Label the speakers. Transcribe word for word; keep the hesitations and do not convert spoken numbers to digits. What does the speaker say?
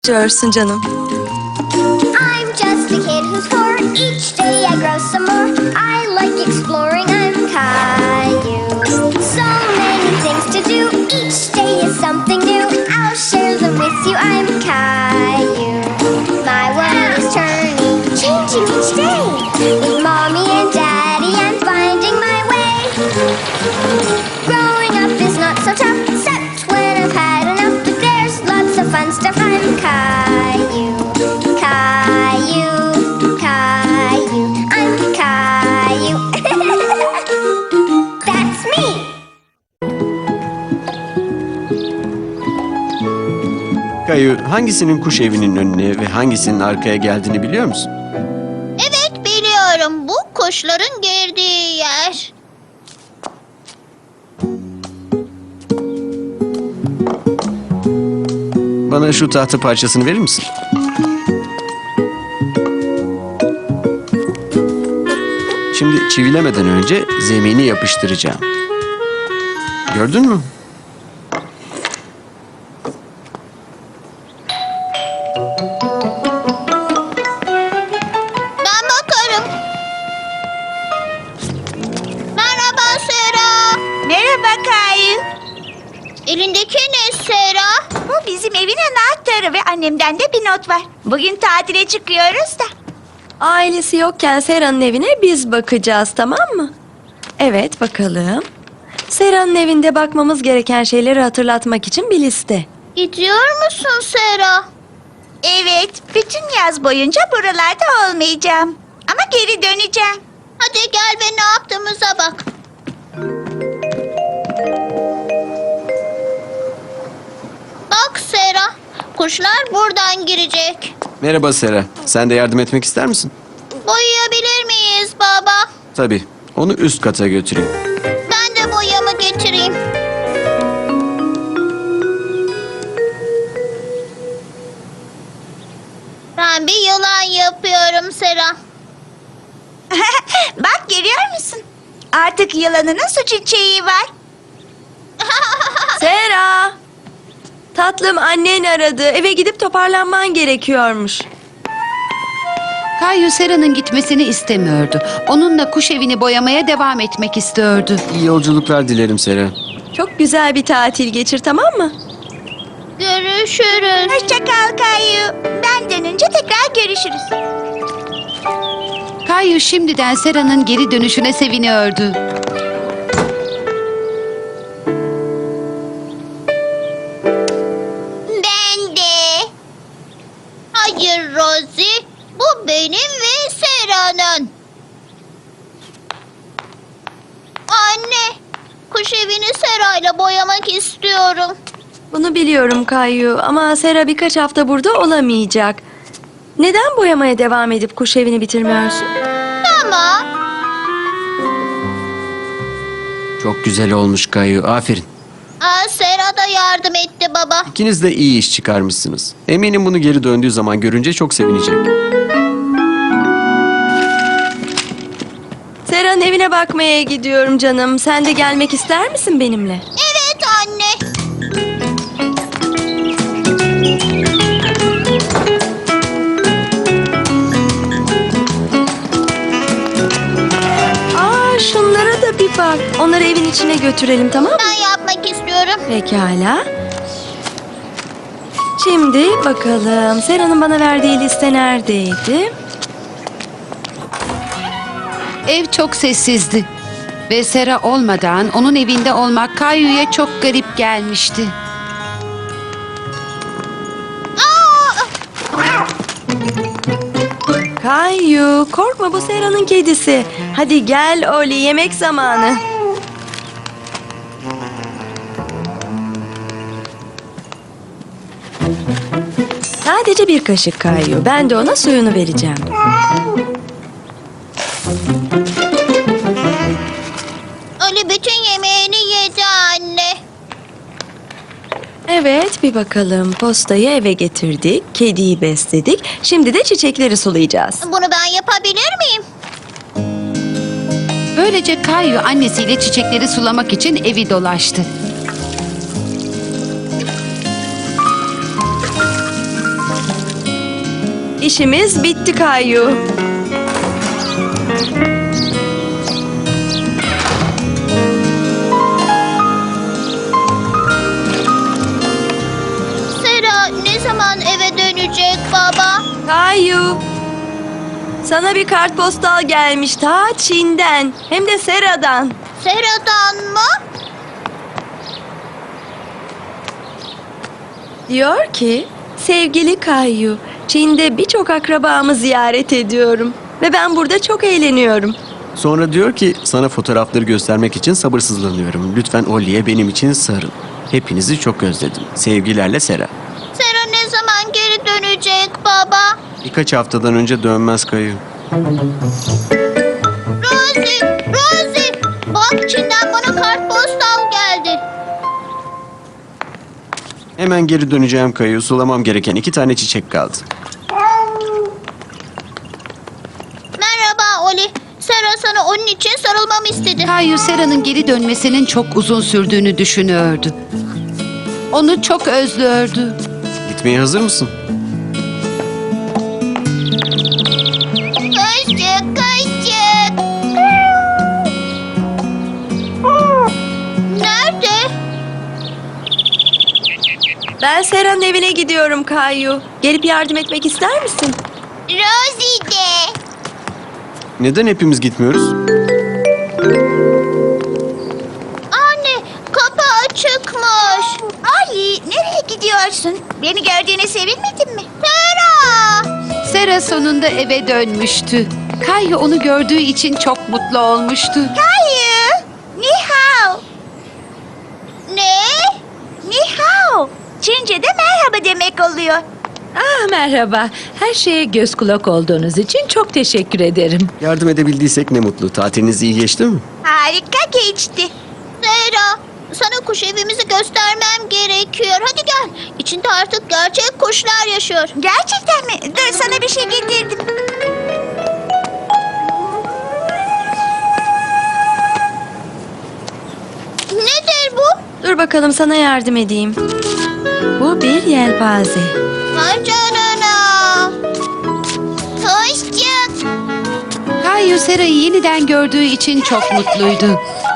Speaker 1: Diyorsun canım.
Speaker 2: I'm just a kid who's four. Each day I grow some more. I like exploring. I'm Caillou. So many things to do. Each day is something new. I'll share them with you. I'm Caillou. My world is turning, changing each day. With mommy and daddy, I'm finding my way. Growing up is not so tough, except when I've had enough. But there's lots of fun stuff. I'm Caillou. Caillou, Caillou, I'm Caillou. That's me.
Speaker 3: Kayu, hangisinin kuş evinin önüne ve hangisinin arkaya geldiğini biliyor musun?
Speaker 4: Evet biliyorum. Bu kuşların girdiği yer.
Speaker 3: Bana şu tahta parçasını verir misin? Şimdi çivilemeden önce zemini yapıştıracağım. Gördün mü?
Speaker 4: Ben bakarım. Merhaba Sera.
Speaker 5: Merhaba Kayu.
Speaker 4: Elindeki ne Sera?
Speaker 5: Bu bizim evin anahtarı ve annemden de bir not var. Bugün tatile çıkıyoruz da.
Speaker 1: Ailesi yokken Sera'nın evine biz bakacağız, tamam mı? Evet, bakalım. Sera'nın evinde bakmamız gereken şeyleri hatırlatmak için bir liste.
Speaker 4: Gidiyor musun Sera?
Speaker 5: Evet, bütün yaz boyunca buralarda olmayacağım. Ama geri döneceğim.
Speaker 4: Hadi gel ve ne yaptığımıza bak. Bak Sera, kuşlar buradan girecek.
Speaker 3: Merhaba Sera. Sen de yardım etmek ister misin?
Speaker 4: Boyayabilir miyiz baba?
Speaker 3: Tabii. Onu üst kata götüreyim.
Speaker 4: Ben de boyamı getireyim. Ben bir yılan yapıyorum Sera.
Speaker 5: Bak görüyor musun? Artık yılanının su çiçeği var.
Speaker 1: Sera! Tatlım, annen aradı. Eve gidip toparlanman gerekiyormuş.
Speaker 6: Kayu Sera'nın gitmesini istemiyordu. Onunla kuş evini boyamaya devam etmek istiyordu.
Speaker 3: İyi yolculuklar dilerim Sera.
Speaker 1: Çok güzel bir tatil geçir, tamam mı?
Speaker 4: Görüşürüz.
Speaker 5: Hoşça kal Kayu. Ben dönünce tekrar görüşürüz.
Speaker 6: Kayu şimdiden Sera'nın geri dönüşüne seviniyordu.
Speaker 4: Ben de. Hayır Rosie, bu benim ve Sera'nın. Anne, kuş evini Sera'yla boyamak istiyorum.
Speaker 1: Bunu biliyorum Kayu, ama Sera birkaç hafta burada olamayacak. Neden boyamaya devam edip kuş evini bitirmiyorsun?
Speaker 4: Ama
Speaker 3: Çok güzel olmuş Kayu. Aferin.
Speaker 4: aa, Sera da yardım etti baba.
Speaker 3: İkiniz de iyi iş çıkarmışsınız. Eminim bunu geri döndüğü zaman görünce çok sevinecek.
Speaker 1: Sera'nın evine bakmaya gidiyorum canım. Sen de gelmek ister misin benimle?
Speaker 4: Evet anne.
Speaker 1: Aa, şunlara da bir bak. Onları evin içine götürelim, tamam mı?
Speaker 4: Ben yapmak istiyorum.
Speaker 1: Pekala. Şimdi bakalım. Sera'nın bana verdiği liste neredeydi?
Speaker 6: Ev çok sessizdi. Ve Sera olmadan onun evinde olmak Kayu'ya çok garip gelmişti.
Speaker 1: Kayu, korkma, bu Sera'nın kedisi. Hadi gel Oli, yemek zamanı. Sadece bir kaşık Kayu. Ben de ona suyunu vereceğim.
Speaker 4: Ali bütün yemeğini yedi anne.
Speaker 1: Evet, bir bakalım. Postayı eve getirdik, kediyi besledik. Şimdi de çiçekleri sulayacağız.
Speaker 4: Bunu ben yapabilir miyim?
Speaker 6: Böylece Kayu annesiyle çiçekleri sulamak için evi dolaştı.
Speaker 1: İşimiz bitti Kayu.
Speaker 4: Sera ne zaman eve dönecek baba?
Speaker 1: Kayu. Sana bir kartpostal gelmiş ta Çin'den. Hem de Sera'dan.
Speaker 4: Sera'dan mı?
Speaker 1: Diyor ki, sevgili Kayu, Çin'de birçok akrabamı ziyaret ediyorum. Ve ben burada çok eğleniyorum.
Speaker 3: Sonra diyor ki sana fotoğrafları göstermek için sabırsızlanıyorum. Lütfen Ollie'ye benim için sarıl. Hepinizi çok özledim. Sevgilerle Sera.
Speaker 4: Sera ne zaman geri dönecek baba?
Speaker 3: Birkaç haftadan önce dönmez Kayu.
Speaker 4: Rosie, Rosie. Bak Çin'den bana kartpostal geldi.
Speaker 3: Hemen geri döneceğim Kayu. Sulamam gereken iki tane çiçek kaldı.
Speaker 4: Merhaba Oli. Sera sana onun için sarılmamı istedi.
Speaker 6: Kayu Sera'nın geri dönmesinin çok uzun sürdüğünü düşünüyordu. Onu çok özlüyordu.
Speaker 3: Gitmeye hazır mısın?
Speaker 4: Kaşık kaşık. Nerede?
Speaker 1: Ben Sera'nın evine gidiyorum Kayu. Gelip yardım etmek ister misin?
Speaker 4: Rosie de.
Speaker 3: Neden hepimiz gitmiyoruz?
Speaker 4: Anne kapı açıkmış.
Speaker 5: Ali, nereye gidiyorsun? Beni gördüğüne sevinmedin mi?
Speaker 4: Sera.
Speaker 6: Sera sonunda eve dönmüştü. Kayu onu gördüğü için çok mutlu olmuştu.
Speaker 5: Hayır. Ni hao.
Speaker 4: Ne?
Speaker 5: Ni hao. Çince'de merhaba demek oluyor.
Speaker 7: Ah merhaba. Her şeye göz kulak olduğunuz için çok teşekkür ederim.
Speaker 3: Yardım edebildiysek ne mutlu. Tatiliniz iyi geçti mi?
Speaker 5: Harika geçti.
Speaker 4: Sera. Sana kuş evimizi göstermem gerekiyor. Hadi gel. İçinde artık gerçek kuşlar yaşıyor.
Speaker 5: Gerçekten mi? Dur sana bir şey getirdim.
Speaker 4: Nedir bu?
Speaker 1: Dur bakalım sana yardım edeyim. Bu bir yelpaze.
Speaker 4: Vay canına. Hoşça.
Speaker 6: Kayu Sera'yı yeniden gördüğü için çok mutluydu.